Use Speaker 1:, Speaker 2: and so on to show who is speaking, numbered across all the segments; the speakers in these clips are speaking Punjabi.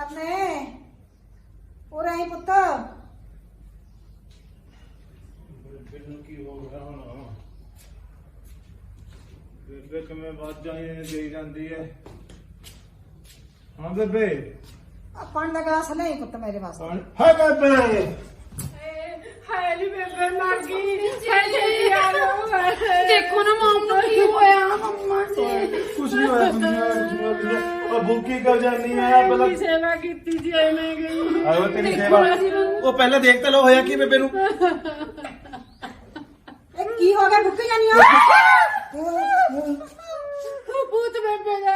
Speaker 1: ਕਰਨੇ ਉਹ ਰਹੀ ਪੁੱਤ
Speaker 2: ਮੈਨੂੰ ਕੀ ਹੋ ਗਿਆ ਹੁਣ ਬੇਬੇ ਕਿਵੇਂ ਵਾਜਾਂ ਦੇ ਜਾਂਦੀ ਹੈ। ਹਾਂ ਬੇਬੇ
Speaker 1: ਆਪਾਂ ਦਾ ਗਲਾਸ ਨਹੀਂ ਪੁੱਤ ਮੇਰੇ ਵਾਸਤੇ
Speaker 2: ਹਾਂ ਬੇਬੇ
Speaker 3: ਹਾਏ ਨੀ ਬੇਬੇ ਮਰ ਗਈ ਦੇਖੋ ਨਾ ਮਾਮ ਨੂੰ ਕੀ ਹੋਇਆ ਮੰਮਾ ਜੀ
Speaker 2: ਕੁਛ ਨਹੀਂ ਹੋਇਆ ਉਹ ਭੁੱਖੀ ਕਰ ਜਾਂਦੀ ਹੈ ਪਹਿਲਾਂ
Speaker 3: ਸੇਵਾ ਕੀਤੀ ਜੀ ਐਵੇਂ ਗਈ
Speaker 2: ਆਓ ਤੇਰੀ ਸੇਵਾ ਉਹ ਪਹਿਲਾਂ ਦੇਖ ਤਾਂ ਲੋ ਹੋਇਆ ਕੀ ਬੇਬੇ ਨੂੰ
Speaker 1: ਇਹ ਕੀ ਹੋ ਗਿਆ ਭੁੱਖੀ ਜਾਨੀ ਆ
Speaker 3: ਭੂਤ ਬੇਬੇ ਦਾ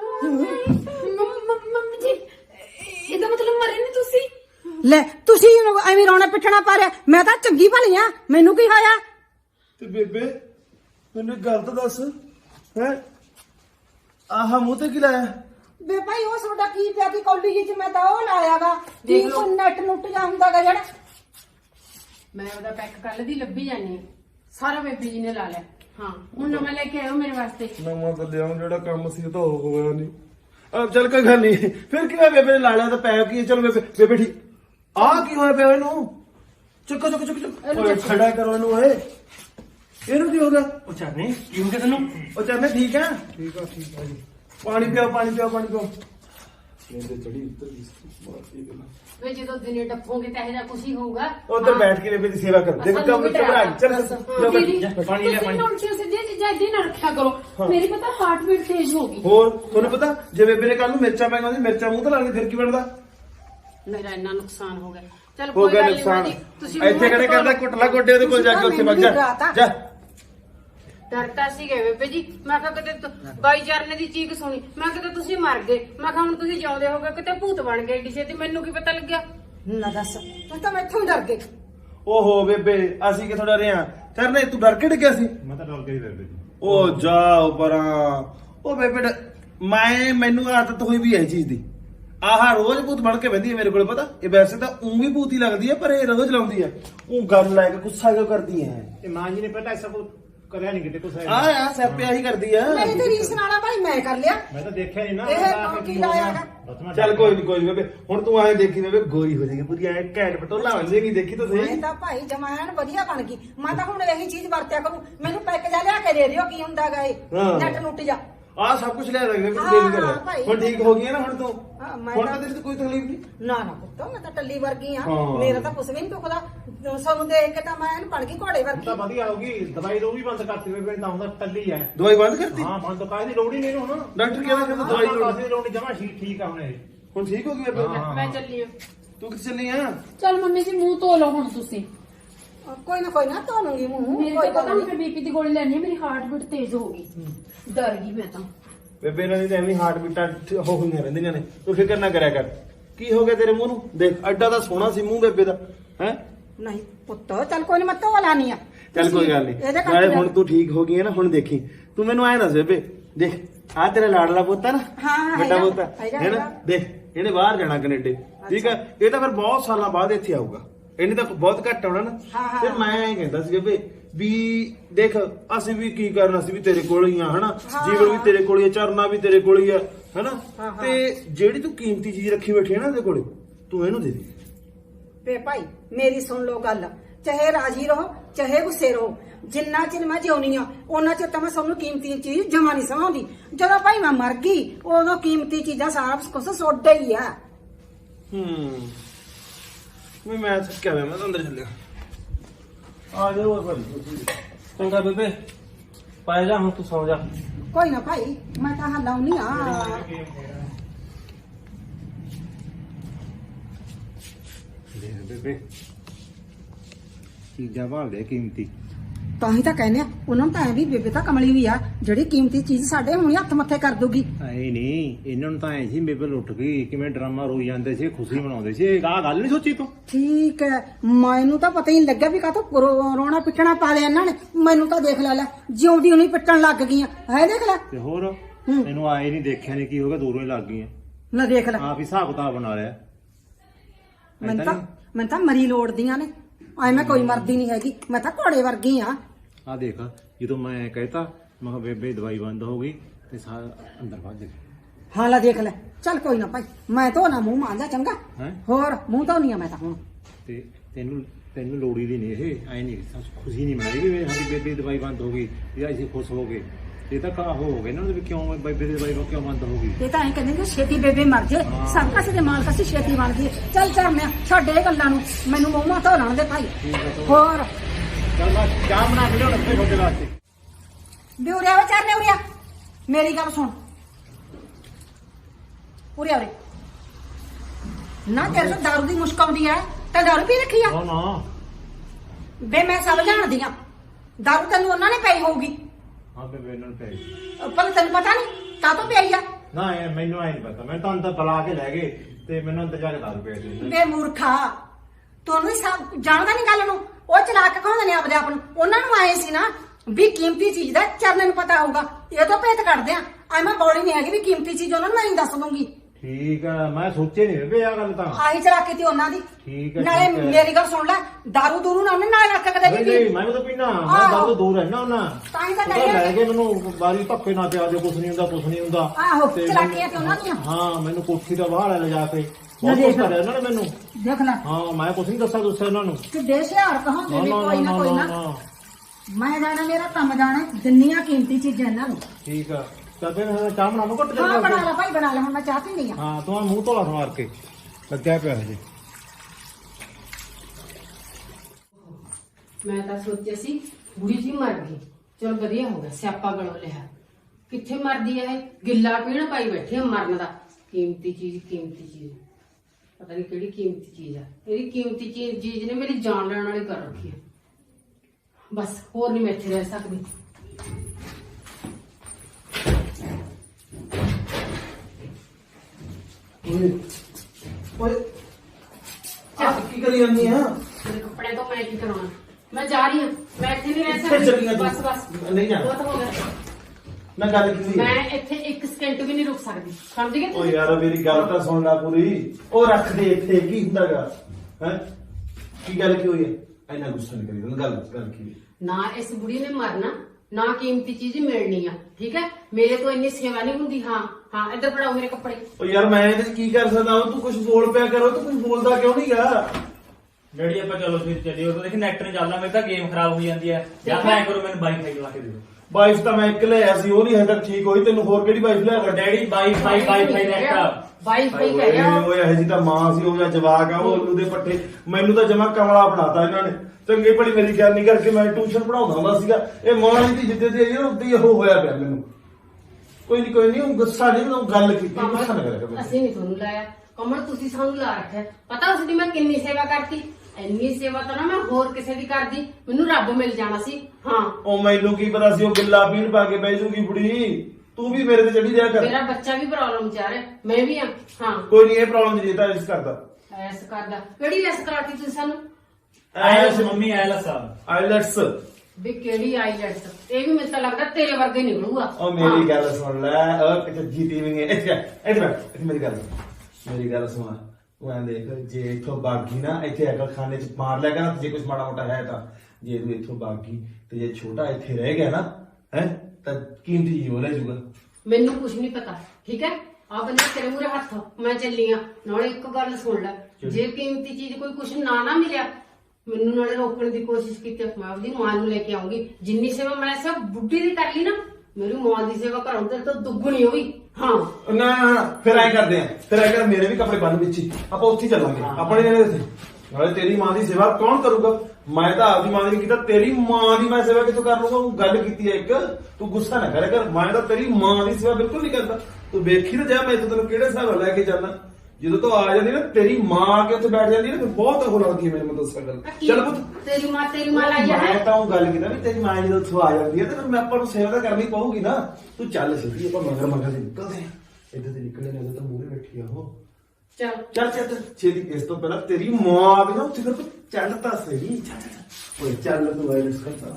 Speaker 3: ਮੰਮੀ ਜੀ ਇਹਦਾ ਮਤਲਬ ਮਰੇ ਨਹੀਂ ਤੁਸੀਂ
Speaker 1: ਲੈ ਤੁਸੀਂ ਐਵੇਂ ਰੋਣਾ ਪਿੱਟਣਾ ਪਾ ਰਿਹਾ ਮੈਂ ਤਾਂ ਚੰਗੀ ਭਲੀ ਆ ਮੈਨੂੰ ਕੀ ਹੋਇਆ
Speaker 2: ਤੇ ਬੇਬੇ ਮੈਨੂੰ ਇੱਕ ਗੱਲ ਤਾਂ ਦੱਸ ਹੈ ਆਹ ਮੂੰਹ ਤੇ ਕੀ ਲਾਇਆ
Speaker 1: ਵੇ ਭਾਈ ਉਹ ਤੁਹਾਡਾ ਕੀ ਪਿਆ ਕਿ ਕੌਲੀ ਜੀ ਚ ਮੈਂ ਤਾਂ ਉਹ ਲਾਇਆਗਾ ਕੀ ਕੋ ਨੱਟ ਨੁੱਟ ਜਾ ਹੁੰਦਾਗਾ ਜਿਹੜਾ
Speaker 3: ਮੈਂ ਉਹਦਾ ਪੈਕ ਕੱਲ ਦੀ ਲੱਭੀ ਜਾਨੀ ਸਾਰਾ ਬੇਬੀ ਜੀ ਨੇ ਲਾ ਲਿਆ ਹਾਂ ਹੁਣ ਨਵਾਂ ਲੈ ਕੇ ਆਇਓ ਮੇਰੇ ਵਾਸਤੇ
Speaker 2: ਨਵਾਂ ਤਾਂ ਲਿਆਉਂ ਜਿਹੜਾ ਕੰਮ ਸੀ ਉਹ ਤਾਂ ਹੋ ਗਿਆ ਨਹੀਂ ਚੱਲ ਕੋਈ ਗੱਲ ਨਹੀਂ ਫਿਰ ਕਿਵੇਂ ਬੇਬੇ ਨੇ ਲਾ ਲਿਆ ਤਾਂ ਪੈ ਕੀ ਚਲੋ ਬੇਬੇ ਠੀਕ ਆਹ ਕੀ ਹੋਇਆ ਪਿਆ ਇਹਨੂੰ ਚੁੱਕੋ ਓਏ ਖੜਾ ਕਰੋ ਇਹਨੂੰ ਓਏ ਇਹਨੂੰ ਕੀ ਹੋ ਗਿਆ
Speaker 4: ਉਹ ਚਾਹਨੇ ਕੀ ਹੋ ਗਿਆ ਤੈਨੂੰ
Speaker 2: ਉਹ ਚਰਨੇ ਠੀਕ ਆ ਜੀ ਪਾਣੀ ਪਿਓ ਇਹਦੇ ਚੜੀ ਉੱਤਰ ਗਈ ਮਾਰਤੀ ਪਹਿਲਾਂ
Speaker 3: ਵੇ ਜਦੋਂ ਦਿਨੇ ਟੱਪੋਗੇ ਤਾਂ ਇਹਦਾ ਕੁਛ ਹੀ ਹੋਊਗਾ
Speaker 2: ਉਧਰ ਬੈਠ ਕੇ ਬੇਬੇ ਦੀ ਸੇਵਾ ਕਰ ਦੇਖ ਕੰਮ ਘਬਰਾ ਚੱਲ
Speaker 4: ਪਾਣੀ ਲੈ ਪਾਣੀ
Speaker 3: ਉਲਟੀਆਂ ਸਿੱਧੀਆਂ ਚੀਜ਼ਾਂ ਏਦਾਂ ਨਾ ਰੱਖਿਆ ਕਰੋ ਮੇਰੀ ਪਤਾ ਹਾਰਟ ਬੀਟ ਤੇਜ਼ ਹੋ ਗਈ
Speaker 2: ਹੋਰ ਤੁਹਾਨੂੰ ਪਤਾ ਜੇ ਬੇਬੇ ਨੇ ਕੱਲ ਨੂੰ ਮਿਰਚਾਂ ਪੈਗਾ ਉਹਦੀ ਮਿਰਚਾਂ ਮੂੰਹ ਤੇ ਲਾ ਕੇ ਫਿਰ ਕੀ ਬਣਦਾ
Speaker 3: ਮੇਰਾ ਇੰਨਾ ਨੁਕਸਾਨ ਹੋ ਗਿਆ ਚਲ
Speaker 2: ਹੋ
Speaker 3: ਕੋਈ
Speaker 2: ਗਿਆ
Speaker 3: ਗੱਲ ਨਹੀਂ
Speaker 2: ਨੁਕਸਾਨ
Speaker 3: ਮਾਦੀ ਤੁਸੀਂ
Speaker 2: ਇੱਥੇ ਕਿਹੜੇ ਕਰਦਾ ਕੁੱਟਲਾ ਗੋਡੇ ਉਹਦੇ ਕੋਲ ਜਾ ਕੇ ਉੱਥੇ ਵਗ ਜਾ
Speaker 3: ਡਰਤਾ ਸੀ ਗਏ ਬੇਬੇ ਜੀ ਮੈਂ ਕਿਹਾ ਕਿਤੇ ਬਾਈ ਚਰਨੇ ਦੀ ਚੀਕ ਸੁਣੀ ਮੈਂ ਕਿਤੇ ਤੁਸੀਂ ਮਰ ਗਏ ਮੈਂ ਕਿਹਾ ਹੁਣ ਤੁਸੀਂ ਜਿਉਂਦੇ ਹੋਗੇ ਕਿਤੇ ਭੂਤ ਬਣ ਗਏ ਏਡੀ ਛੇਤੀ ਮੈਨੂੰ ਕੀ ਪਤਾ ਲੱਗਿਆ
Speaker 1: ਨਾ ਦੱਸ ਤੂੰ ਤਾਂ ਮੈਥੋਂ ਹੀ ਡਰ ਗਈ
Speaker 2: ਓਹੋ ਬੇਬੇ ਅਸੀਂ ਕਿਥੋਂ ਡਰੇ ਆ ਚਰਨੇ ਤੂੰ ਡਰ ਕੇ ਡਿੱਗਿਆ ਸੀ
Speaker 4: ਮੈਂ ਤਾਂ ਡਰ ਗਈ ਬੇਬੇ ਜੀ
Speaker 2: ਉਹ ਜਾਓ ਪਰਾਂ ਉਹ ਬੇਬੇ ਮੈਨੂੰ ਆਦਤ ਹੋਈ ਵੀ ਐ ਚੀਜ਼ ਦੀ ਆਹ ਰੋਜ਼ ਭੂਤ ਬਣ ਕੇ ਬਹਿੰਦੀ ਹੈ ਮੇਰੇ ਕੋਲ ਪਤਾ ਇਹ ਵੈਸੇ ਤਾਂ ਉਂ ਵੀ ਭੂਤ ਹੀ ਲੱਗਦੀ ਹੈ ਪਰ ਇਹ ਰੋਜ਼ ਲਾਉਂਦੀ ਹੈ ਉਹ ਗੱਲ ਲੈ ਕੇ ਗੁੱਸਾ ਕਿਉਂ ਕਰਦੀ ਹੈ
Speaker 4: ਇਹ ਮਾਂ ਜੀ ਨੇ ਪਹਿਲਾਂ ਐਸਾ ਕੁਝ ਕਰਿਆ ਨਹੀਂ ਕਿਤੇ ਕੁਛ
Speaker 2: ਆ ਸਿਆਪਿਆ ਹੀ ਕਰਦੀ ਆ
Speaker 1: ਮੇਰੀ ਤੇ ਰੀਸ ਨਾਲਾ ਭਾਈ ਮੈਂ ਕਰ ਲਿਆ
Speaker 4: ਮੈਂ ਤਾਂ ਦੇਖਿਆ ਨਹੀਂ ਨਾ
Speaker 1: ਇਹ ਕੌਣ ਕੀ ਲਾਇਆਗਾ
Speaker 2: ਚੱਲ ਕੋਈ ਨਹੀਂ ਬੇਬੇ ਹੁਣ ਤੂੰ ਆਏ ਦੇਖੀ ਬੇਬੇ ਗੋਰੀ ਹੋ ਜਾਏਗੀ ਪੂਰੀ ਐ ਘੈਂਟ ਪਟੋਲਾ ਬਣ ਜਾਏਗੀ ਦੇਖੀ ਤਾਂ
Speaker 1: ਮੈਂ
Speaker 2: ਸਹੀ
Speaker 1: ਤਾਂ ਭਾਈ ਜਮਾਨ ਵਧੀਆ ਬਣ ਗਈ ਮੈਂ ਤਾਂ ਹੁਣ ਇਹੀ ਚੀਜ਼ ਵਰਤਿਆ ਕਰੂੰ ਮੈਨੂੰ ਪੈਕ ਜਾ ਲਿਆ ਕੇ ਦੇ ਦਿਓ ਕੀ ਹੁੰਦਾਗਾ ਇਹ
Speaker 2: ਹਾਂ।
Speaker 1: ਨੱਟ ਨੁੱਟ ਜਾ
Speaker 2: ਆ ਸਭ ਕੁਝ ਲੈ ਰਹੇ ਬੇਬੇ
Speaker 1: ਹਾਂ,
Speaker 2: ਤੂੰ ਦੇਖ
Speaker 1: ਹਾਂ, ਭਾਈ।
Speaker 2: ਹੁਣ ਠੀਕ ਹੋ ਗਈ ਹੈ ਨਾ ਹੁਣ ਤੂੰ
Speaker 1: ਹਾਂ, ਮੈਂ
Speaker 2: ਹੁਣ
Speaker 1: ਤਾਂ-
Speaker 2: ਤਾਂ ਤੇਰੇ ਤੇ ਕੋਈ ਤਕਲੀਫ ਨਹੀਂ
Speaker 1: ਨਾ ਪੁੱਤ ਮੈਂ ਤਾਂ ਟੱਲੀ ਵਰਗੀ ਆ
Speaker 2: ਹਾਂ।
Speaker 1: ਮੇਰਾ ਤਾਂ ਕੁਛ ਵੀ ਨਹੀਂ ਦੁਖਦਾ ਸਾਨੂੰ ਦੇਖ ਕੇ ਤਾਂ ਮੈਂ ਬਣ ਗਈ ਘੋੜੇ
Speaker 4: ਤਾਂ
Speaker 1: ਵਰਗੀ
Speaker 4: ਵਧੀਆ ਹੋ ਗਈ ਦਵਾਈ ਰੋ ਵੀ ਬੰਦ ਕਰਤੀ ਬੇਬੇ ਤਾਂ ਹੁੰਦਾ ਟੱਲੀ ਹੈ
Speaker 2: ਦਵਾਈ ਬੰਦ ਕਰਤੀ
Speaker 4: ਹਾਂ ਬੰਦ ਕਾਇ ਦੀ ਲੋੜ ਹੀ ਨਹੀਂ ਹੁਣ
Speaker 2: ਡਾਕਟਰ ਕਹਿੰਦਾ ਕਿ ਦਵਾਈ ਲੋੜ
Speaker 4: ਦੀ ਲੋੜ ਜਮਾ ਠੀਕ ਆ ਹੁਣ ਇਹ
Speaker 2: ਹੁਣ ਠੀਕ ਹੋ ਗਈ ਬੇਬੇ
Speaker 4: ਹਾਂ।
Speaker 3: ਮੈਂ ਚੱਲੀ ਆ
Speaker 2: ਤੂੰ ਕਿੱਥੇ ਚੱਲੀ ਆ
Speaker 3: ਚਲ ਮੰਮੀ ਜੀ ਮੂੰਹ ਧੋ ਲਓ ਹੁਣ ਤੁਸੀਂ
Speaker 1: ਕੋਈ ਨਾ ਧੋਣੂਗੀ ਮੂੰਹ
Speaker 3: ਮੇਰੇ
Speaker 1: ਕੋਈ
Speaker 3: ਤੋਂ ਪਤਾ
Speaker 1: ਗੱਲ
Speaker 3: ਹੁਣ ਬੀਪੀ ਦੀ ਗੋਲੀ ਲੈਣੀ ਹੈ ਮੇਰੀ ਹਾਰਟ ਬੀਟ ਤੇਜ਼ ਹੋ ਗਈ ਡਰ ਗਈ ਮੈਂ ਤਾਂ
Speaker 2: ਬੇਬੇ ਇਹਨਾਂ ਦੀ ਤਾਂ ਐਵੇਂ ਹਾਰਟ ਬੀਟਾਂ ਹੋ ਹੋਈਆਂ ਰਹਿੰਦੀਆਂ ਨੇ ਤੂੰ ਫਿਕਰ ਨਾ ਕਰਿਆ ਕਰ ਕੀ ਹੋ ਗਿਆ ਤੇਰੇ ਮੂੰਹ ਨੂੰ ਦੇਖ ਐਡਾ ਤਾਂ ਸੋਹਣਾ ਸੀ ਮੂੰਹ ਬੇਬੇ ਦਾ ਹੈ
Speaker 1: ਨਹੀਂ ਪੁੱਤ ਚੱਲ ਕੋਈ ਨਹੀਂ ਮੈਂ ਧੋ ਲਾਨੀ ਆ
Speaker 2: ਚੱਲ ਕੋਈ ਗੱਲ ਨਹੀਂ
Speaker 1: ਇਹਦੇ
Speaker 2: ਨਾਲੇ
Speaker 1: ਕਰਕੇ
Speaker 2: ਹੁਣ ਤੂੰ ਠੀਕ ਹੋ ਗਈ ਹੈ ਨਾ ਹੁਣ ਦੇਖੀ ਤੂੰ ਮੈਨੂੰ ਐਂ ਦੱਸ ਬੇਬੇ ਦੇਖ ਆ ਤੇਰਾ ਲਾਡਲਾ ਪੁੱਤ ਹੈ ਨਾ
Speaker 1: ਹਾਂ,
Speaker 2: ਵੱਡਾ
Speaker 1: ਹੈਗਾ,
Speaker 2: ਪੁੱਤ
Speaker 1: ਹੈਗਾ,
Speaker 2: ਹੈ ਨਾ
Speaker 1: ਹੈਗਾ।
Speaker 2: ਦੇਖ ਇਹਨੇ ਬਾਹਰ ਜਾਣਾ ਕੈਨੇਡਾ ਠੀਕ ਹੈ ਇਹ ਤਾਂ ਫਿਰ ਬਹੁਤ ਸਾਲਾਂ ਬਾਅਦ ਇੱਥੇ ਆਊਗਾ ਇਹਨੇ ਤਾਂ ਬਹੁਤ ਘੱਟ ਆਉਣਾ ਨਾ
Speaker 1: ਹਾਂ।
Speaker 2: ਫਿਰ ਮੈਂ ਐਂ ਕਹਿੰਦਾ ਸੀ ਬੇਬੇ ਵੀ ਦੇਖ ਅਸੀਂ ਵੀ ਕੀ ਕਰਨਾ ਸੀ ਵੀ ਤੇਰੇ ਕੋਲ ਹੀ ਆ ਹਨਾ ਜੀਵਨ ਵੀ ਤੇਰੇ ਕੋਲ ਹੀ ਆ ਚਰਨਾ ਵੀ ਤੇਰੇ ਕੋਲ ਹੀ ਆ ਹਨਾ ਤੇ ਜਿਹੜੀ ਤੂੰ ਕੀਮਤੀ ਚੀਜ਼ ਰੱਖੀ ਬੈਠੀ ਹੈ ਨਾ ਇਹਦੇ ਕੋਲੇ ਤੂੰ ਇਹਨੂੰ ਦੇ ਦੇ
Speaker 1: ਵੇ ਭਾਈ ਮੇਰੀ ਸੁਣ ਲਓ ਗੱਲ ਚਾਹੇ ਰਾਜੀ ਰਹੋ ਚਾਹੇ ਗੁੱਸੇ ਰਹੋ ਜਿੰਨਾ ਚਿਰ ਮੈਂ ਜਿਉਣੀ ਆ ਉਹਨਾਂ ਚਿਰ ਤਾਂ ਮੈਂ ਸਭ ਨੂੰ ਕੀਮਤੀ ਚੀਜ਼ ਜਮਾ ਨਹੀਂ ਸਮਝਾਉਂਦੀ ਜਦੋਂ ਭਾਈ ਮੈਂ ਮਰ ਗਈ ਉਦੋਂ ਕੀਮਤੀ ਚੀਜ਼ਾਂ ਸਾਰਾ ਕੁਝ ਸੋਡਾ ਹੀ ਆ
Speaker 2: ਮੈਂ ਥੱਕਿਆ ਹੋਇਆ ਮੈਂ ਤਾਂ ਅੰਦਰ ਚੱਲਿਆ ਆ ਜਾ ਹੋਰ ਭਾਈ ਚੰਗਾ ਬੇਬੇ ਪਾਇਆ ਜਾ ਹੁਣ ਤੂੰ ਸੌ ਜਾ
Speaker 1: ਕੋਈ ਨਾ ਭਾਈ ਮੈਂ ਤਾਂ ਹਲਾਉਣੀ ਆ
Speaker 4: ਬੇਬੇ ਚੀਜ਼ਾਂ ਭਾਲਦੇ ਕੀਮਤੀ
Speaker 1: ਤਾਂ ਹੀ ਤਾਂ ਕਹਿੰਦੇ ਆ ਉਹਨਾਂ ਨੂੰ ਤਾਂ ਐ ਵੀ ਬੇਬੇ ਤਾਂ ਕਮਲੀ ਵੀ ਆ ਜਿਹੜੀ ਕੀਮਤੀ ਚੀਜ਼ ਸਾਡੇ ਹੁਣੀ ਹੱਥ ਮੱਥੇ ਕਰ ਦੂਗੀ
Speaker 4: ਐ ਨਹੀਂ ਇਹਨਾਂ ਨੂੰ ਤਾਂ ਐ ਸੀ ਬੇਬੇ ਲੁੱਟ ਗਈ ਕਿਵੇਂ ਡਰਾਮਾ ਰੋਈ ਜਾਂਦੇ ਸੀ ਖੁਸ਼ੀ ਮਨਾਉਂਦੇ ਸੀ ਇਹ ਆਹ ਗੱਲ ਨਹੀਂ ਸੋਚੀ ਤੂੰ
Speaker 1: ਠੀਕ ਹੈ ਮੈਨੂੰ ਤਾਂ ਪਤਾ ਹੀ ਨਹੀਂ ਲੱਗਿਆ ਵੀ ਕਾਹਤੋਂ ਰੋਣਾ ਪਿੱਟਣਾ ਪਾ ਲਿਆ ਇਹਨਾਂ ਨੇ ਮੈਨੂੰ ਤਾਂ ਦੇਖ ਲੈ ਜਿਉਂਦੀ ਹੁਣੀ ਪਿੱਟਣ ਲੱਗ ਗਈਆਂ ਹੈ ਦੇਖ ਲੈ
Speaker 4: ਤੇ ਹੋਰ ਇਹਨੂੰ ਆਏ ਨਹੀਂ ਦੇਖਿਆ ਨਹੀਂ ਕੀ ਹੋ ਗਿਆ ਦੂਰੋਂ ਹੀ ਲੱਗ ਗਈਆਂ
Speaker 1: ਨਾ ਦੇਖ ਲੈ
Speaker 4: ਆਪ ਹੀ ਹਿਸਾਬ ਕਿਤਾਬ ਬਣਾ ਲਿਆ
Speaker 1: ਮੈਂ ਤਾਂ ਮਰੀ ਲੋੜਦੀਆਂ ਨੇ ਐ ਮੈਂ ਕੋਈ ਮਰਦੀ ਨਹੀਂ ਹੈਗੀ ਮੈਂ ਤਾਂ ਘੋੜੇ ਵਰਗੀ ਆ
Speaker 4: ਆ ਦੇਖ ਜਦੋਂ ਮੈਂ ਕਹਿਤਾ ਮੈਂ ਕਿਹਾ ਬੇਬੇ ਦਵਾਈ ਬੰਦ ਹੋ ਗਈ ਤੇ ਅੰਦਰ ਵੱਜ ਗਏ
Speaker 1: ਹਾਂ ਲੈ ਦੇਖ ਲੈ ਚੱਲ ਕੋਈ ਨਾ ਭਾਈ ਮੈਂ ਤਾਂ ਨਾ ਮੂੰਹ ਮਾਂਜਾ ਚੰਗਾ
Speaker 4: ਹੈਂ?
Speaker 1: ਹੋਰ ਮੂੰਹ ਧੋਨੀ ਆ ਮੈਂ ਤਾਂ ਹੁਣ
Speaker 4: ਤੇ ਤੈਨੂੰ ਲੋੜੀ ਦੀ ਨਹੀਂ ਇਹ ਐ ਨਹੀਂ ਖੁਸ਼ੀ ਨਹੀਂ ਮਨਾਈ ਵੀ ਸਾਡੀ ਬੇਬੇ ਦੀ ਦਵਾਈ ਬੰਦ ਹੋ ਗਈ ਜਾਂ ਅਸੀਂ ਖੁਸ਼ ਹੋ ਗਏ ਇਹ ਤਾਂ ਕਾ ਹੋ ਗਏ ਨਾ ਵੀ ਕਿਉਂ ਬੇਬੇ ਦੀ ਦਵਾਈ ਕਿਉਂ ਬੰਦ ਹੋ ਗਈ
Speaker 1: ਇਹ ਤਾਂ ਐਂ ਕਹਿੰਦੇ ਕਿ ਛੇਤੀ ਬੇਬੇ ਮਰ ਜੇ ਸਭ ਕਾਸੇ ਦੇ ਮਾਲਕ ਅਸੀਂ ਛੇਤੀ ਬਣ ਗਏ ਚੱਲ ਚਰਨਿਆ ਛੱਡ ਇਹ ਗੱਲਾਂ ਨੂੰ ਮੈਨੂੰ ਮੂੰਹ ਮਾ ਧੋ ਲੈਣ ਦੇ ਭਾਈ ਹੋਰ
Speaker 4: ਚੱਲ ਮੈਂ ਚਾਹ ਬਣਾ ਕੇ ਲਿਆਉਣਾ ਤੇ ਤੁਹਾਡੇ ਵਾਸਤੇ
Speaker 1: ਵੀ ਉਰਿਆ ਵੇ ਚਰਨੇ ਉਰਿਆ ਮੇਰੀ ਗੱਲ ਸੁਣ ਉਰਿਆ ਉਰੇ ਨਾ ਤੇਰੇ ਤੋਂ ਦਾਰੂ ਦੀ ਮੁਸ਼ਕ ਆਉਂਦੀ ਹੈ ਤਾਂ ਦਾਰੂ ਪੀ ਰੱਖੀ ਆ
Speaker 4: ਨਾ ਨਾ
Speaker 1: ਬੇ ਮੈਂ ਸਭ ਜਾਣਦੀ ਆ ਦਾਰੂ ਤੈਨੂੰ ਉਹਨਾਂ ਨੇ ਪਈ ਹੋਊਗੀ
Speaker 4: ਹਾਂ ਬੇਬੇ ਇਹਨਾਂ ਨੂੰ ਪੈ
Speaker 1: ਪਰ ਤੈਨੂੰ ਪਤਾ ਨਹੀਂ ਕਾਹ ਤੋਂ ਪਈ ਆ
Speaker 4: ਨਾ ਮੈਨੂੰ ਐ ਨਹੀਂ ਪਤਾ ਮੈਂ ਤੁਹਾਨੂੰ ਤਾਂ ਬੁਲਾ ਕੇ ਲੈ ਗਏ ਤੇ ਮੈਨੂੰ ਅੰਦਰ ਜਾ ਕੇ ਦਾਰੂ ਪੀ ਦੇ
Speaker 1: ਬੇ ਮੂਰਖਾ ਤੁਹਾਨੂੰ ਵੀ ਸਭ ਜਾਣਦਾ ਨਹੀਂ ਗੱਲ ਨੂੰ ਉਹ ਚਲਾ ਕੇ ਕਹਾਉਂਦੇ ਨੇ ਆਪਦੇ ਆਪ ਨੂੰ ਉਹਨਾਂ ਨੂੰ ਆਏ ਸੀ ਨਾ ਵੀ ਕੀਮਤੀ ਚੀਜ਼ ਦਾ ਚਰਨੇ ਨੂੰ ਪਤਾ ਹੋਊਗਾ ਇਹ ਤਾਂ ਭੇਤ ਕੱਢਦੇ ਆ ਮੈਂ ਬੋਲੀ ਨਹੀਂ ਹੈਗੀ ਵੀ ਕੀਮਤੀ ਚੀਜ਼ ਉਹਨਾਂ ਨੂੰ ਮੈਂ ਹੀ ਦੱਸ ਦੂੰਗੀ
Speaker 4: ਠੀਕ ਆ ਮੈਂ ਸੋਚੇ ਨਹੀਂ ਬੇਬੇ ਆ ਗੱਲ ਤਾਂ
Speaker 1: ਆਹੀ ਚਲਾਕੀ ਤੀ ਉਹਨਾਂ ਦੀ
Speaker 4: ਠੀਕ ਹੈ,
Speaker 1: ਨਾਲੇ
Speaker 4: ਠੀਕ ਹੈ।
Speaker 1: ਮੇਰੀ ਗੱਲ ਸੁਣ ਲੈ ਦਾਰੂ ਦੂਰੂ ਨਾ ਉਹਨੇ ਨਾਲ ਰੱਖ ਕਦੇ
Speaker 4: ਨਹੀਂ
Speaker 1: ਵੀ
Speaker 4: ਨਹੀਂ ਮੈਂ ਤਾਂ ਪੀਣਾ ਮੈਂ
Speaker 1: ਆਹੋ।
Speaker 4: ਦਾਰੂ ਤੋਂ ਦੂਰ ਰਹਿਣਾ ਉਹਨਾਂ
Speaker 1: ਤਾਂ ਹੀ ਤਾਂ
Speaker 4: ਉਹਦਾ
Speaker 1: ਕਹਿੰਦੇ ਆ
Speaker 4: ਲੈ
Speaker 1: ਕਿ-
Speaker 4: ਕੇ ਮੈਨੂੰ ਬਾਰੀ ਧੱਕੇ ਨਾ ਪਿਆ ਦੇ ਕੁਛ ਨਹੀਂ ਹੁੰਦਾ
Speaker 1: ਆਹੋ,
Speaker 4: ਤੇ
Speaker 1: ਚਲਾਕੀਆਂ ਤੇ ਉਹਨਾਂ ਦੀਆਂ।
Speaker 4: ਹਾਂ ਮੈਨੂੰ ਕੋਠੀ ਦਾ ਬਾਹਰ ਲੈ ਜਾ ਕੇ
Speaker 1: ਨਾ
Speaker 4: ਬਹੁਤ
Speaker 1: ਦੇਖ।
Speaker 4: ਕੁਛ ਕਰਿਆ ਇਹਨਾਂ ਨੇ ਮੈਨੂੰ
Speaker 1: ਦੇਖ ਲੈ
Speaker 4: ਹਾਂ ਮੈਂ ਕੁਛ ਨਹੀਂ ਦੱਸਿਆ ਇਹਨਾਂ ਨੂੰ
Speaker 1: ਕਿ ਦੇਸ਼ਿਆਰ ਕਹਾਂਗੇ ਵੀ ਕੋਈ ਨਾ ਕੋਈ ਨਾ ਮੈਂ ਜਾਣਾ ਮੇਰਾ ਕੰਮ ਜਾਣਾ ਜਿੰਨੀਆਂ ਕੀਮਤੀ ਚੀਜ਼ਾਂ ਇਹਨਾਂ ਨੂੰ
Speaker 4: ਠੀਕ ਆ ਤਾਂ ਫਿਰ ਚਾਹ ਬਣਾ ਲਓ ਘੁੱਟ
Speaker 1: ਹਾਂ ਬਣਾ
Speaker 4: ਦੇ
Speaker 1: ਲੈ ਭਾਈ ਬਣਾ ਲੈ ਹੁਣ ਮੈਂ ਚਾਹ ਪੀਣੀ ਆ
Speaker 4: ਹਾਂ ਤੂੰ ਮੂੰਹ ਧੋਲਾ ਸਵਾਰ ਕੇ ਲੱਗਿਆ ਪਿਆ ਹਜੇ
Speaker 3: ਮੈਂ ਤਾਂ ਸੋਚਿਆ ਸੀ ਬੁੜੀ ਜੀ ਮਰ ਗਈ ਚਲ ਵਧੀਆ ਹੋ ਗਿਆ ਸਿਆਪਾ ਗਲੋਂ ਲਿਆ ਕਿੱਥੇ ਮਰਦੀ ਆ ਇਹ ਗਿੱਲਾ ਪੀਣ ਪਾਈ ਬੈਠੀ ਆ ਮਰਨ ਦਾ ਕੀਮਤੀ ਚੀਜ਼ ਪਤਾ ਨਹੀਂ ਕਿਹੜੀ ਕੀਮਤੀ ਚੀਜ਼ ਆ ਇਹਦੀ ਕੀਮਤੀ ਚੀਜ਼ ਨੇ ਮੇਰੀ ਜਾਨ ਲੈਣ ਵਾਲੀ ਕਰ ਰੱਖੀ ਆ ਬਸ ਹੋਰ ਨਹੀਂ ਮੈਂ ਇੱਥੇ ਰਹਿ ਸਕਦੀ
Speaker 2: ਓਏ ਆ ਕੀ ਕਰੀ ਜਾਂਦੀ ਆ
Speaker 3: ਮੇਰੇ ਕੱਪੜੇ ਤੋਂ ਮੈਂ ਕੀ ਕਰਾਉਣਾ ਮੈਂ ਜਾ ਰਹੀ ਹਾਂ ਮੈਂ ਇੱਥੇ ਨਹੀਂ ਰਹਿ
Speaker 2: ਕਿੱਥੇ ਚੱਲੀ ਆਂ
Speaker 3: ਸਕਦੀ
Speaker 2: ਤੂੰ?
Speaker 3: ਬਸ
Speaker 2: ਨਹੀਂ ਜਾਣਾ।
Speaker 3: ਬਹੁਤ ਹੋ ਗਿਆ
Speaker 2: ਮੈਂ ਗੱਲ ਕੀਤੀ
Speaker 3: ਮੈਂ ਇੱਥੇ ਇੱਕ ਸਕਿੰਟ ਵੀ ਨਹੀਂ ਰੁਕ ਸਕਦੀ ਸਮਝ ਗਏ
Speaker 2: ਓ
Speaker 3: ਤੁਸੀਂ
Speaker 2: ਯਾਰ ਮੇਰੀ ਗੱਲ ਤਾਂ ਸੁਣ ਲੈ ਪੂਰੀ ਉਹ ਰੱਖ ਦੇ ਇੱਥੇ ਕੀ ਹੁੰਦਾਗਾ ਹੈ ਕੀ ਗੱਲ ਕੀ ਹੋਈ ਹੈ ਇੰਨਾ ਗੁੱਸਾ ਨਹੀਂ ਕਰੀ ਤੈਨੂੰ ਗੱਲ ਕੀ ਹੈ?
Speaker 3: ਨਾ ਇਸ ਬੁੜੀ ਨੇ ਮਰਨਾ ਨਾ ਕੀਮਤੀ ਚੀਜ਼ ਮਿਲਣੀ ਆ ਠੀਕ ਹੈ ਮੇਰੇ ਤੋਂ ਇੰਨੀ ਸੇਵਾ ਨਹੀਂ ਹੁੰਦੀ ਹਾਂ ਇੱਧਰ ਫੜਾਓ ਮੇਰੇ ਕੱਪੜੇ
Speaker 2: ਓ ਯਾਰ ਮੈਂ ਇਹਦੇ ਚ ਕੀ ਕਰ ਸਕਦਾ ਤੂੰ ਕੁਝ ਬੋਲ ਪਿਆ ਕਰੋ ਤੂੰ ਕੁਝ ਬੋਲਦਾ ਕਿਉਂ ਨਹੀਂਗਾ
Speaker 5: ਡੈਡੀ ਆਪਾਂ ਚਲੋ ਫਿਰ ਚੱਲੀਏ ਉਹ ਤਾਂ ਦੇਖ ਨੈਟ ਨਹੀਂ ਚੱਲਦਾ ਮੇਰੇ ਤਾਂ ਗੇਮ ਖਰਾਬ ਹੋਈ ਜਾਂਦੀ ਹੈ ਜਾਂ ਮੈਂ ਕਰੋ ਮੈਨੂੰ ਵਾਈਫਾਈ ਲਾ ਕੇ ਦਿਓ
Speaker 2: ਵਾਈਫ ਤਾਂ ਮੈਂ ਇੱਕ ਲਿਆ ਸੀ ਉਹ ਨਹੀਂ ਹਜੇ ਤੱਕ ਠੀਕ ਹੋਈ ਤੈਨੂੰ ਹੋਰ ਕਿਹੜੀ ਵਾਈਫ ਲਿਆ
Speaker 5: ਉਹ ਡੈਡੀ ਵਾਈਫਾਈ ਨੈਟ
Speaker 3: ਵਾਈਫਾਈ ਕਹਿ ਰਿਹਾ
Speaker 2: ਉਹ ਇਹ ਜੀ ਤਾਂ ਮਾਂ ਸੀ ਉਹ ਜਾਂ ਜਵਾਕ ਆ ਉਹ ਉਹਦੇ ਪੱਠੇ ਮੈਨੂੰ ਤਾਂ ਜਮਾ ਕਮਲਾ ਬਣਾਤਾ ਇਹਨਾਂ ਨੇ ਚੰਗੇ ਭਲੀ ਮੇਰੀ ਗੱਲ ਨਹੀਂ ਕਰਕੇ ਮੈਂ ਟਿਊਸ਼ਨ ਪੜਾਉਂਦਾ ਹੁੰਦਾ ਸੀਗਾ ਇਹ ਮਾਂ ਦੀ ਜਿੱਦੇ ਦੀ ਆਈ ਉੱਤੇ ਹੀ ਉਹ ਹੋਇਆ ਪਿਆ ਮੈਨੂੰ ਕੋਈ ਨਹੀਂ ਉਹ ਗੁੱਸਾ ਨਹੀਂ ਉਹ ਗੱਲ ਕੀਤੀ ਗੁੱਸਾ ਨਾ ਕਰਿਆ
Speaker 3: ਅਸੀਂ ਨਹੀਂ ਤੁਹਾਨੂੰ ਲਾਇਆ ਕਮਲ ਤੁਸੀਂ ਸਾਨੂੰ ਲਾ ਰੱਖਿਆ ਪਤਾ ਉਸ ਦੀ ਮੈਂ ਕਿੰਨੀ ਸੇਵਾ ਕਰਤੀ ਇੰਨੀ ਸੇਵਾ ਤਾਂ ਨਾ ਮੈਂ ਹੋਰ ਕਿਸੇ ਦੀ ਕਰਦੀ ਮੈਨੂੰ ਰੱਬ ਮਿਲ ਜਾਣਾ ਸੀ ਹਾਂ
Speaker 2: ਉਹ ਮੈਨੂੰ ਕੀ ਪਤਾ ਸੀ ਉਹ ਗਿੱਲਾ ਪੀਣ ਪਾ ਕੇ ਬਹਿ ਜੂਗੀ ਬੁੜੀ ਤੂੰ ਵੀ ਮੇਰੇ ਤੇ ਚੜੀ ਰਿਹਾ ਕਰ
Speaker 3: ਮੇਰਾ ਬੱਚਾ ਵੀ ਪ੍ਰੋਬਲਮ ਚ ਆ ਰਿਹਾ ਮੈਂ ਵੀ ਹਾਂ
Speaker 2: ਕੋਈ ਨਹੀਂ ਇਹ ਪ੍ਰੋਬਲਮ ਨਹੀਂ ਤਾਂ ਇਸ ਕਰਦਾ
Speaker 3: ਐਸ ਕਰਦਾ ਕਿਹੜੀ ਐਸ ਕਰਾਤੀ ਤੁਸੀਂ ਸਾਨੂੰ
Speaker 5: ਆਇਲਸ ਮੰਮੀ ਆਇਲਸ ਆ
Speaker 2: ਆਈਲੈਟਸ
Speaker 3: ਵੀ ਕਿਹੜੀ ਆਈਲੈਟਸ ਇਹ ਵੀ ਮੈਨੂੰ ਤਾਂ ਲੱਗਦਾ ਤੇਰੇ ਵਰਗੇ ਨਿਕਲੂਗਾ
Speaker 2: ਉਹ ਮੇਰੀ ਗੱਲ ਸੁਣ ਲੈ ਉਹ ਕਿਤੇ ਜੀਤੀ ਵੀ ਨਹੀਂ ਇੱਥੇ ਮੇਰੀ ਗੱਲ ਸੁਣ ਤੂੰ ਐਂ ਦੇਖ ਜੇ ਇੱਥੋਂ ਬਾਗੀ ਨਾ ਇੱਥੇ ਅਕਲ ਖਾਨੇ ਚ ਮਾਰ ਲਿਆ ਕਰ ਜੇ ਕੁਝ ਮਾੜਾ ਮੋਟਾ ਹੈ ਤਾਂ ਜੇ ਤੂੰ ਇੱਥੋਂ ਬਾਗੀ ਤੇ ਜੇ ਛੋਟਾ ਇੱਥੇ ਰਹਿ ਗਿਆ ਨਾ ਹੈ ਤਾਂ ਕੀਮਤੀ ਜੀ ਹੋ ਲੈ ਜੂਗਾ
Speaker 3: ਮੈਨੂੰ ਕੁਝ ਨਹੀਂ ਪਤਾ ਠੀਕ ਹੈ ਆ ਬੰਦੇ ਤੇਰੇ ਮੂਰੇ ਹੱਥ ਮੈਂ ਚੱਲੀ ਆ ਨਾਲੇ ਇੱਕ ਗੱਲ ਸੁਣ ਲੈ ਜੇ ਕੀਮਤੀ ਚੀਜ਼ ਕੋਈ ਕੁਝ ਨਾ ਮਿਲਿਆ ਮੈਨੂੰ ਨਾਲੇ ਰੋਕਣ ਦੀ ਕੋਸ਼ਿਸ਼ ਕੀਤੀ ਮੈਂ ਆਪਣੀ ਮਾਂ ਨੂੰ ਲੈ ਕੇ ਆਉਂਗੀ ਜਿੰਨੀ ਸੇਵਾ ਮੈਂ ਸਭ ਬੁੱਢੀ ਦੀ ਕਰ ਲਈ ਨਾ ਮੇਰੀ ਮਾਂ ਦੀ ਸੇਵਾ ਘਰੋਂ ਤੇਰੇ ਤੋਂ ਦੁੱਗਣੀ ਹੋਈ ਹਾਂ
Speaker 2: ਨਾ ਫਿਰ ਐਂ ਕਰਦੇ ਆ ਫਿਰ ਐਂ ਕਰ ਮੇਰੇ ਵੀ ਕੱਪੜੇ ਬੰਨ ਵਿੱਚ ਹੀ ਆਪਾਂ ਉੱਥੇ ਹੀ ਚੱਲਾਂਗੇ ਆਪਣੇ ਜਣੇ ਉੱਥੇ ਨਾਲੇ ਤੇਰੀ ਮਾਂ ਦੀ ਸੇਵਾ ਕੌਣ ਕਰੂਗਾ ਮੈਂ ਤਾਂ ਆਪਦੀ ਮਾਂ ਦੀ ਨਹੀਂ ਕੀਤਾ ਤੇਰੀ ਮਾਂ ਦੀ ਮੈਂ ਸੇਵਾ ਕਿੱਥੋਂ ਕਰ ਲੂੰਗਾ ਉਹ ਗੱਲ ਕੀਤੀ ਹੈ ਇੱਕ ਤੂੰ ਗੁੱਸਾ ਨਾ ਕਰਿਆ ਕਰ ਮੈਂ ਤਾਂ ਤੇਰੀ ਮਾਂ ਦੀ ਸੇਵਾ ਬਿਲਕੁਲ ਨਹੀਂ ਕਰਦਾ ਤੂੰ ਵੇਖੀ ਤਾਂ ਜਾ ਮੈਂ ਤੈਨੂੰ ਕਿਹੜੇ ਹਿਸਾਬ ਨਾਲ ਲੈ ਕੇ ਜਾਣਾ ਜਦੋਂ ਤੂੰ ਆ ਜਾਂਦੀ ਨਾ ਤੇਰੀ ਮਾਂ ਆ ਕੇ ਉੱਥੇ ਬੈਠ ਜਾਂਦੀ ਨਾ ਫਿਰ ਬਹੁਤ ਹੋ ਲੱਗਦੀ ਹੈ ਮੈਨੂੰ ਦੱਸਾਂ ਗੱਲ ਚੱਲ ਪੁੱਤ
Speaker 3: ਤੇਰੀ ਮਾਂ ਲਾਈ ਆ
Speaker 2: ਮੈਂ ਤਾਂ ਉਹ ਗੱਲ ਕੀਤਾ ਵੀ ਤੇਰੀ ਮਾਂ ਜਦੋਂ ਉੱਥੋਂ ਆ ਜਾਂਦੀ ਹੈ ਤੇ ਫਿਰ ਮੈਂ ਆਪਾਂ ਨੂੰ ਸੇਵਾ ਤਾਂ ਕਰਨੀ ਪਊਗੀ ਨਾ ਤੂੰ ਚੱਲ ਸਿੱਧੀ ਆਪਾਂ ਮਗਰ ਦੇ ਨਿਕਲਦੇ ਆ ਇੱਧਰ ਤੇ ਨਿਕਲਣੇ ਨਾਲ ਤਾਂ ਮੂਹਰੇ ਬੈਠੀ ਆ ਉਹ
Speaker 3: ਚੱਲ
Speaker 2: ਚੱਲ ਛੇਤੀ ਇਸ ਤੋਂ ਪਹਿਲਾਂ ਤੇਰੀ ਮਾਂ ਆ ਗਈ ਨਾ ਉੱਥੇ ਫਿਰ ਤੂੰ ਚੱਲ ਤਾਂ ਸਹੀ ਓਏ ਚੱਲ ਤੂੰ ਵਾਇਰਸ ਕਰਦਾ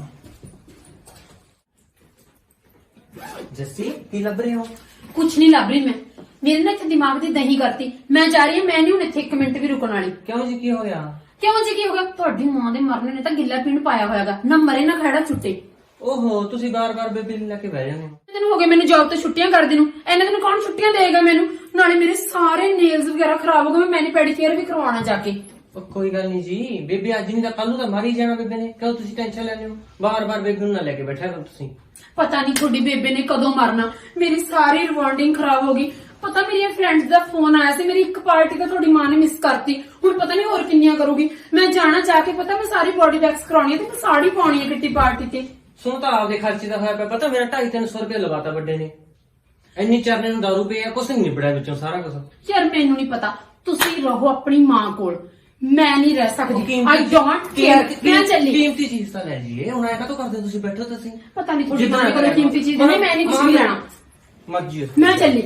Speaker 6: ਜੱਸੀ ਕੀ ਲੱਭ ਰਹੇ ਹੋ
Speaker 7: ਕੁਛ ਨਹੀਂ ਲੱਭ ਰਹੀ ਮੈਂ ਮੇਰੇ ਨਾ ਇੱਥੇ ਦਿਮਾਗ ਦੀ ਦਹੀਂ ਕਰਤੀ ਮੈਂ ਜਾ ਰਹੀ ਹਾਂ ਮੈਂ ਨਹੀਂ ਹੁਣ ਇੱਥੇ 1 ਮਿੰਟ ਵੀ ਰੁਕਣ ਵਾਲੀ
Speaker 6: ਕਿਉਂ ਜੀ ਕੀ ਹੋ ਗਿਆ
Speaker 7: ਕਿਉਂ ਜੀ ਕੀ ਹੋ ਗਿਆ ਤੁਹਾਡੀ ਮਾਂ ਦੇ ਮਰਨ ਨੇ ਤਾਂ ਗਿੱਲਾ ਪੀਣ ਪਾਇਆ ਹੋਇਆਗਾ ਨਾ ਮਰੇ ਨਾ ਖੜਾ ਛੁੱਟੇ
Speaker 6: ਓਹੋ ਤੁਸੀਂ ਬਾਰ-ਬਾਰ ਬੇਬੇ ਨੂੰ ਲੈ ਕੇ ਬਹਿ ਜਾਂਦੇ ਹੋ।
Speaker 7: ਦਿਨ ਹੋ ਗਏ ਮੈਨੂੰ ਜੌਬ ਤੋਂ ਛੁੱਟੀਆਂ ਕਰਦੇ ਨੂੰ। ਇਹਨਾਂ ਦਿਨ ਕੌਣ ਛੁੱਟੀਆਂ ਦੇਗਾ ਮੈਨੂੰ? ਨਾਲੇ ਮੇਰੇ ਸਾਰੇ ਨੇਲਸ ਵਗੈਰਾ ਖਰਾਬ ਹੋ ਗਏ। ਮੈਂ ਮੈਨੀ ਪੈਡੀਕੇਅਰ ਵੀ ਕਰਵਾਉਣਾ ਜਾ ਕੇ।
Speaker 6: ਉਹ ਕੋਈ ਗੱਲ ਨਹੀਂ ਜੀ, ਬੇਬੇ ਅੱਜ ਨਹੀਂ ਤਾਂ ਕੱਲ ਨੂੰ ਤਾਂ ਮਾਰੀ ਜਾਣਾ ਬੇਬੇ ਨੇ। ਕਿਉਂ ਤੁਸੀਂ ਟੈਨਸ਼ਨ ਲੈਂਦੇ ਹੋ? ਬਾਰ-ਬਾਰ ਬੇਬੇ ਨੂੰ ਨਾ ਲੈ ਕੇ ਬੈਠਿਆ ਕਰੋ ਤੁਸੀਂ।
Speaker 7: ਪਤਾ ਨਹੀਂ ਤੁਹਾਡੀ ਬੇਬੇ ਨੇ ਕਦੋਂ ਮਰਨਾ। ਮੇਰੀ ਸਾਰੀ ਰਿਵਾਰਡਿੰਗ ਖਰਾਬ ਹੋ ਗਈ। ਪਤਾ ਮੇਰੀਆਂ ਫਰੈਂਡਸ ਦਾ ਫੋਨ ਆਇਆ ਸੀ, ਮੇਰੀ ਇੱਕ ਪਾਰਟੀ ਤਾਂ ਤੁਹਾਡੀ ਮਾਂ ਨੇ ਮਿਸ ਕਰਤੀ। ਹੁਣ ਪਤਾ ਨਹੀਂ ਹੋਰ ਕਿੰਨੀਆਂ ਕਰੂਗੀ। ਮੈਂ ਜਾਣਾ ਚਾਹ ਕੇ, ਪਤਾ ਮੈਂ ਸਾਰੀ ਬੋਡੀ ਵੈਕਸ ਕਰਾਉਣੀ ਹੈ ਤੇ ਮੈਂ ਸਾੜੀ ਪਾਉਣੀ ਹੈ ਕਿੱਟੀ ਪਾਰਟੀ ਤੇ।
Speaker 6: ਸੁਣ ਤਾਂ ਆਪਦੇ ਖਰਚੇ ਦਾ ਹੋਇਆ ਪਿਆ। ਪਤਾ ਮੇਰਾ 250-300 ਰੁਪਏ ਲਗਾਤਾ ਵੱਡੇ ਨੇ। ਇੰਨੀ ਚਰਨੇ ਨੂੰ ਦਾਰੂ ਪਈ ਆ, ਕੁਛ ਨਹੀਂ ਨਿਬੜਿਆ ਵਿੱਚੋਂ ਸਾਰਾ ਕੁਝ।
Speaker 7: ਯਾਰ ਮੈਨੂੰ ਨਹੀਂ ਪਤਾ, ਤੁਸੀਂ ਰਹੋ ਆਪਣੀ ਮਾਂ ਕੋਲ, ਮੈਂ ਨਹੀਂ ਰਹਿ ਸਕਦੀ। I don't care. ਮੈਂ ਚੱਲੀ।
Speaker 6: ਕੀਮਤੀ ਚੀਜ਼ ਤਾਂ ਲੈ ਜੀਏ। ਹੁਣ ਐ ਕਾਹਤੋਂ ਕਰਦੇ ਤੁਸੀਂ? ਬੈਠੋ ਤੁਸੀਂ।
Speaker 7: ਪਤਾ ਨਹੀਂ ਤੁਹਾਡੀ ਮਾਂ ਕੋਲ ਕੀਮਤੀ ਚੀਜ਼ ਨਹੀਂ, ਮੈਂ ਨਹੀਂ ਕੁਝ ਵੀ ਲੈਣਾ।
Speaker 6: ਮਰਜੀ
Speaker 7: ਮੈਂ ਚੱਲੀ।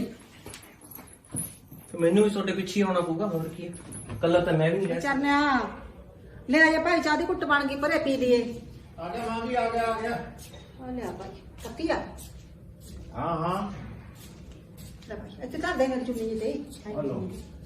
Speaker 6: ਮੈਨੂੰ ਵੀ ਤੁਹਾਡੇ ਪਿੱਛੇ ਆਉਣਾ ਪਊਗਾ, ਹੋਰ ਕੀ ਹੈ। ਕੱਲਾ ਤਾਂ ਮੈਂ ਵੀ ਨਹੀਂ ਰਹਿ
Speaker 1: ਚਰਨਿਆ ਲੈ ਆ ਭਾਈ, ਚਾਹ ਦੀ ਘੁੱਟ ਬਣ ਗਈ, ਭਰੇ ਪੀ ਲਈਏ।
Speaker 2: ਆ ਗਿਆ ਮਾਂ ਜੀ, ਆ ਗਿਆ
Speaker 1: ਆ ਲਿਆ ਭਾਈ ਪੱਤੀ ਆ।
Speaker 2: ਹਾਂ ਹਾਂ
Speaker 1: ਲੈ ਭਾਈ ਇੱਥੇ ਧਰ ਦੇ ਮੇਰੀ ਚੁੰਨੀ ਤੇ।
Speaker 2: ਹਲੋ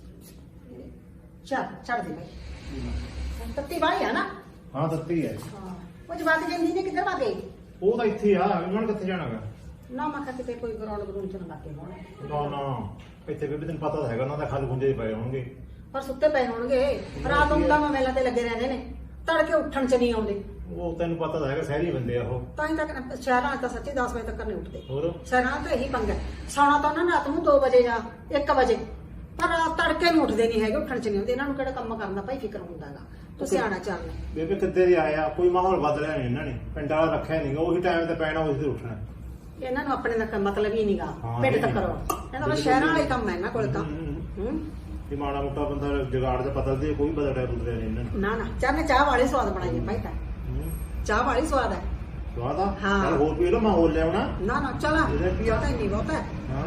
Speaker 1: ਛੱਡ ਦੇ ਭਾਈ। ਪੱਤੀ ਵਾਲੀ ਆ ਨਾ?
Speaker 2: ਹਾਂ ਤੱਤੀ ਹੈ।
Speaker 1: ਹਾਂ। ਉਹ ਜਵਾਕ ਜਾਂਦੀ ਨੇ ਕਿੱਧਰ ਵਾਗੇ?
Speaker 2: ਉਹ ਤਾਂ ਇੱਥੇ ਆ, ਉਹਨਾਂ ਨੇ ਕਿੱਥੇ ਜਾਣਾਗਾ?
Speaker 1: ਨਾ ਮੈਂ ਕਿਹਾ ਕਿਤੇ ਕੋਈ ਗਰਾਊਂਡ ਗਰੂੰਡ ਚ ਨਾ ਲੱਗੇ ਹੋਣ।
Speaker 2: ਨਾ ਨਾ, ਇੱਥੇ ਬੇਬੇ ਤੈਨੂੰ ਪਤਾ ਤਾਂ ਹੈਗਾ, ਉਹਨਾਂ ਦਾ ਖਲ ਖੁੰਝੇ ਪਏ ਹੋਣਗੇ।
Speaker 1: ਪਰ ਸੁੱਤੇ ਪਏ ਹੋਣਗੇ। ਰਾਤ ਨੂੰ ਤਾਂ ਮੇਲਾ ਤੇ ਲੱਗੇ ਰਹਿੰਦੇ ਨੇ, ਤੜਕੇ ਉੱਠਣ ਚ ਨਹੀਂ ਆਉਂਦੇ।
Speaker 2: ਉਹ ਤੈਨੂੰ ਪਤਾ ਤਾਂ ਹੈਗਾ, ਸ਼ਹਿਰੀ ਬੰਦੇ ਆ ਉਹ।
Speaker 1: ਤਾਂ ਹੀ ਤੱਕ ਸ਼ਹਿਰਾਂ 'ਚ ਤਾਂ ਸੱਚੀ 10 ਵਜੇ ਤੱਕ ਨਹੀਂ ਉੱਠਦੇ।
Speaker 2: ਹੋਰ
Speaker 1: ਸ਼ਹਿਰਾਂ 'ਚ ਇਹੀ ਪੰਗਾ। ਸੌਣਾ ਤਾਂ ਉਹਨਾਂ ਰਾਤ ਨੂੰ 2 ਵਜੇ ਜਾਂ 1 ਵਜੇ, ਪਰ ਤੜਕੇ ਨੂੰ ਉੱਠਦੇ ਨਹੀਂ ਹੈਗੇ, ਉੱਠਣ ਚ ਨਹੀਂ ਆਉਂਦੇ। ਇਹਨਾਂ ਨੂੰ ਕਿਹੜਾ ਕੰਮ ਕਰਨ ਦਾ ਭਾਈ ਫਿਕਰ ਹੁੰਦਾ ਹੈਗਾ। ਤੁਸੀਂ ਆਣਾ ਚੱਲ।
Speaker 2: ਬੇਬੇ ਕਿੱਦੇ ਦੇ ਆਇਆ, ਕੋਈ ਮਾਹੌਲ ਬਦਲਿਆ ਨਹੀਂ ਇਹਨਾਂ ਨੇ, ਪਿੰਡ ਵਾਲਾ ਰੱਖਿਆ ਨਹੀਂਗਾ। ਉਹੀ ਟਾਈਮ ਤੇ ਪੈਣਾ, ਉਹੀ ਤੇ ਉੱਠਣਾ।
Speaker 1: ਇਹਨਾਂ ਨੂੰ ਆਪਣੇ ਦਾ ਮਤਲਬ ਹੀ ਨਹੀਂਗਾ।
Speaker 2: ਹਾਂ,
Speaker 1: ਪਿੰਡ
Speaker 2: ਇਹ
Speaker 1: ਤੱਕ
Speaker 2: ਨੀ।
Speaker 1: ਕਰੋ। ਇਹਨਾਂ ਦਾ ਸ਼ਹਿਰਾਂ ਵਾਲੇ ਕੰਮ ਹੈ ਇਹਨਾਂ ਕੋਲ ਤਾਂ।
Speaker 2: ਕਿ ਮਾੜਾ ਮੋਟਾ ਬੰਦਾ ਜਗਾੜ ਤੇ ਬਦਲਦੇ, ਕੋਈ ਬਦਲਿਆ ਬੁਦਲਿਆ ਨਹੀਂ ਇਹਨਾਂ ਨੇ।
Speaker 1: ਨਾ ਨਾ, ਚਾਹ ਨੇ ਚਾਹ ਵਾਲੀ ਸਵਾਦ ਬਣਾਈ ਹੈ ਭਾਈ ਤਾਂ। ਚਾਹ ਵਾਲੀ ਸਵਾਦ ਹੈ।
Speaker 2: ਸਵਾਦ ਆ?
Speaker 1: ਹਾਂ।
Speaker 2: ਚੱਲ ਹੋਰ ਪੀ ਲਓ, ਮੈਂ ਹੋਰ ਲਿਆਉਣਾ।
Speaker 1: ਨਾ ਨਾ ਚਲਾ,
Speaker 2: ਇਹਦੇ ਕੀ ਆ?
Speaker 1: ਪਤਾ ਹੀ ਨਹੀਂ ਬਹੁਤ ਹੈ।
Speaker 2: ਹਾਂ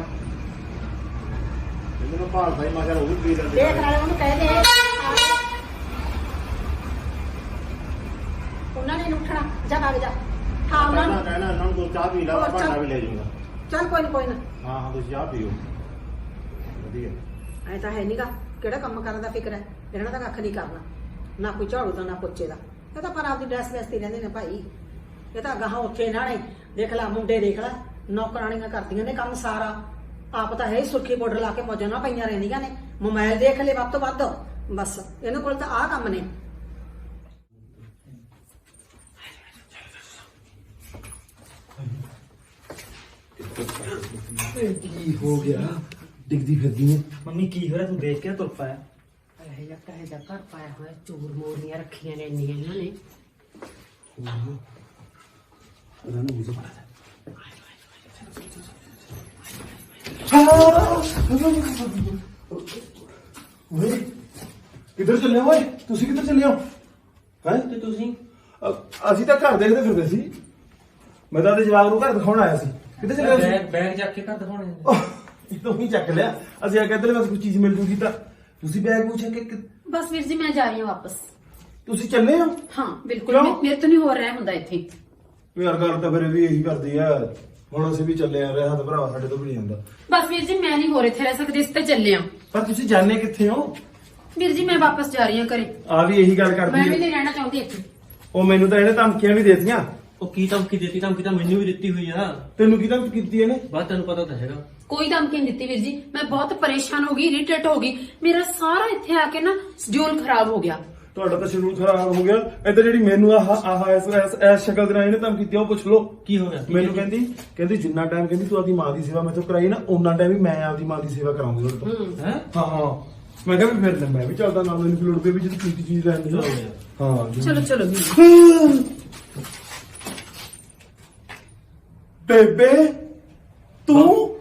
Speaker 2: ਮੈਨੂੰ ਭਾਲ ਭਾਈ ਮੈਂ ਕਿਹਾ ਉਹ ਵੀ ਪੀ ਲੈਂਦੇ।
Speaker 1: ਦੇਖ ਨਾਲੇ ਉਹਨੂੰ ਕਹਿ ਦੇ ਉਹਨਾਂ ਨੇ ਨੀ ਉੱਠਣਾ। ਜਾ ਭਾਗ ਜਾ। ਹਾਂ ਉਹਨਾਂ ਨੂੰ
Speaker 2: ਕਹਿਣਾ ਇਹਨਾਂ ਨੂੰ ਤੂੰ ਚਾਹ ਪੀ ਲਾ,
Speaker 1: ਹੋਰ
Speaker 2: ਭਾਂਡਾ
Speaker 1: ਚਾਹ।
Speaker 2: ਵੀ ਲੈ ਜਾਊਂਗਾ।
Speaker 1: ਚੱਲ ਕੋਈ ਨਾ ਕੋਈ ਨਾ।
Speaker 2: ਹਾਂ ਹਾਂ ਤੁਸੀਂ ਚਾਹ ਪੀਓ, ਵਧੀਆ।
Speaker 1: ਐ ਤਾਂ ਹੈ ਨਹੀਂਗਾ, ਕਿਹੜਾ ਕੰਮ ਕਰਨ ਦਾ ਫਿਕਰ ਹੈ ਇਹਨਾਂ ਦਾ? ਕੱਖ ਨਹੀਂ ਕਰਨਾ, ਨਾ ਕੋਈ ਝਾੜੂ ਦਾ ਨਾ ਪੋਚੇ ਦਾ। ਇਹ ਤਾਂ ਪਰ ਆਪਦੀ ਡਰੈਸ ਵੈਸਤੀ ਰਹਿੰਦੇ ਨੇ ਭਾਈ। ਇਹ ਤਾਂ ਗਾਹਾਂ ਉੱਥੇ ਇਹਨਾਂ ਨੇ ਦੇਖ ਲਾ, ਮੁੰਡੇ ਦੇਖ ਲਾ, ਨੌਕਰਾਣੀਆਂ ਕਰਦੀਆਂ ਨੇ ਕੰਮ ਸਾਰਾ। ਆਪ ਤਾਂ ਹੈ ਹੀ ਸੁਰਖੀ ਪਾਊਡਰ ਲਾ ਕੇ ਮੌਜਾਂ ਨਾਲ ਪਈਆਂ ਰਹਿੰਦੀਆਂ ਨੇ। ਮੋਬਾਈਲ ਦੇਖ ਲੈ ਵੱਧ ਤੋਂ ਵੱਧ, ਬਸ ਇਹਨਾਂ ਕੋਲ ਤਾਂ ਆਹ ਕੰਮ ਨੇ।
Speaker 2: ਕੀ ਹੋ ਗਿਆ? ਡਿੱਗਦੀ ਫਿਰਦੀ ਹੈ।
Speaker 6: ਮੰਮੀ ਕੀ ਹੋ ਰਿਹਾ? ਤੂੰ ਦੇਖ ਕੇ ਤੁਰ ਪਾਇਆ।
Speaker 3: ਇਹ ਜਿਹਾ ਕਹੇ ਦਾ ਘਰ ਪਾਇਆ ਹੋਇਆ, ਚੋਰ ਮੋਰੀਆਂ ਰੱਖੀਆਂ ਨੇ ਇੰਨੀਆਂ ਇਹਨਾਂ ਨੇ।
Speaker 2: ਉਹਨਾਂ ਨੂੰ ਮੁਝੇ ਪਤਾ ਓਏ ਕਿੱਧਰ ਚੱਲੇ ਹੋ? ਓਏ ਤੁਸੀਂ ਕਿੱਧਰ ਚੱਲੇ ਹੋ? ਹੈ
Speaker 6: ਤੇ ਤੁਸੀਂ?
Speaker 2: ਅਸੀਂ ਤਾਂ ਘਰ ਦੇਖਦੇ ਫਿਰਦੇ ਸੀ। ਮੈਂ ਤਾਂ ਤੇ ਜਵਾਬ ਨੂੰ ਘਰ ਦਿਖਾਉਣ ਆਇਆ ਸੀ। ਕਿੱਧਰ ਚੱਲੇ ਹੋ ਤੁਸੀਂ?
Speaker 6: ਬੈਗ ਚੱਕ ਕੇ ਘਰ ਦਿਖਾਉਣੇ।
Speaker 2: ਇਹ ਤਾਂ ਹੀ ਚੱਕ ਲਿਆ। ਅਸੀਂ ਆ ਕਹਿੰਦੇ ਬਸ ਕੋਈ ਚੀਜ਼ ਮਿਲ ਜੂਗੀ ਤਾਂ ਤੁਸੀਂ ਬੈਗ ਪੁੱਛ ਕੇ
Speaker 7: ਬਸ ਵੀਰ ਜੀ ਮੈਂ ਜਾ ਰਹੀ ਹਾਂ ਵਾਪਸ।
Speaker 2: ਤੁਸੀਂ ਚੱਲੇ ਹੋ?
Speaker 7: ਹਾਂ ਬਿਲਕੁਲ,
Speaker 2: ਕਿਉਂ?
Speaker 7: ਮੇਰੇ ਤੋਂ ਨਹੀਂ ਹੋ ਰਿਹਾ ਹੁੰਦਾ ਇੱਥੇ।
Speaker 2: ਯਾਰ ਗੱਲ ਤਾਂ ਫਿਰ ਵੀ ਇਹੀ ਕਰਦੀ ਆ। ਹੁਣ ਅਸੀਂ ਵੀ ਚੱਲੇ ਆ, ਰਿਹਾ ਤਾਂ ਭਰਾ ਸਾਡੇ ਤੋਂ ਵੀ ਨਹੀਂ ਹੁੰਦਾ।
Speaker 7: ਬਸ ਵੀਰ ਜੀ ਮੈਂ ਨਹੀਂ ਹੋਰ ਇੱਥੇ ਰਹਿ ਸਕਦੀ, ਇਸ ਤੇ ਚੱਲੇ ਆ।
Speaker 2: ਪਰ ਤੁਸੀਂ ਜਾਣੇ ਕਿੱਥੇ ਹੋ?
Speaker 7: ਵੀਰ ਜੀ ਮੈਂ ਵਾਪਸ ਜਾ ਰਹੀ ਹਾਂ ਘਰੇ।
Speaker 2: ਆ ਵੀ ਇਹੀ ਗੱਲ
Speaker 7: ਮੈਂ
Speaker 2: ਕਰਦੀ
Speaker 7: ਵੀ
Speaker 2: ਹੈ।
Speaker 7: ਨਹੀਂ ਰਹਿਣਾ ਚਾਹੁੰਦੀ ਇੱਥੇ।
Speaker 2: ਉਹ ਮੈਨੂੰ ਤਾਂ ਇਹਨੇ ਧਮਕੀਆਂ ਵੀ ਦੇਤੀਆਂ।
Speaker 6: ਉਹ ਕੀ ਧਮਕੀ ਦਿੱਤੀ? ਧਮਕੀ ਤਾਂ ਮੈਨੂੰ ਵੀ ਦਿੱਤੀ ਹੋਈ ਆ।
Speaker 2: ਤੈਨੂੰ ਕੀ ਧਮਕੀ ਕੀਤੀ ਇਹਨੇ?
Speaker 6: ਬਾਤ ਤੈਨੂੰ ਪਤਾ ਤਾਂ ਹੈਗਾ।
Speaker 7: ਕੋਈ ਧਮਕੀ ਨਹੀਂ ਦਿੱਤੀ ਵੀਰ ਜੀ। ਮੈਂ ਬਹੁਤ ਪਰੇਸ਼ਾਨ ਹੋ ਗਈ, ਇਰੀਟੇਟ ਹੋ ਗਈ। ਮੇਰਾ ਸਾਰਾ ਇੱਥੇ ਆ ਕੇ ਨਾ ਸ਼ਡਿਊਲ ਖਰਾਬ ਹੋ ਗਿਆ।
Speaker 2: ਤੁਹਾਡਾ ਤਾਂ ਸ਼ਡਿਊਲ ਖਰਾਬ ਹੋ ਗਿਆ। ਇੱਧਰ ਜਿਹੜੀ ਮੈਨੂੰ ਇਸ ਸ਼ਕਲ ਦੇ ਨਾਲ ਇਹਨੇ ਧਮਕੀ ਦਿੱਤੀ, ਉਹ ਪੁੱਛ ਲਓ
Speaker 6: ਕੀ ਹੋ ਗਿਆ?
Speaker 2: ਮੈਨੂੰ ਕਹਿੰਦੀ ਜਿੰਨਾ ਟਾਈਮ ਕਹਿੰਦੀ ਤੂੰ ਆਪਦੀ ਮਾਂ ਦੀ ਸੇਵਾ ਮੈਥੋਂ ਕਰਾਈ ਨਾ, ਉਹਨਾਂ ਟਾਈਮ ਵੀ ਮੈਂ ਆਪਦੀ ਮਾਂ ਦੀ ਸੇਵਾ ਕਰਾਉਂਗੀ ਉਹਦੇ ਤੋਂ।
Speaker 6: ਹੈ?
Speaker 2: ਹਾਂ ਹਾਂ ਮੈਂ ਕਿਹਾ ਵੀ ਫਿਰ ਮੈਂ ਵੀ ਚੱਲਦਾ ਨਾਲ, ਮੈਨੂੰ ਲੋੜ ਪਈ ਵੀ ਜਦੋਂ ਕੀ ਚੀਜ਼ ਲੈਣੀ ਆ। ਹਾਂ
Speaker 7: ਚਲੋ ਚਲੋ ਵੀਰ।
Speaker 2: ਬੇਬੇ ਤੂੰ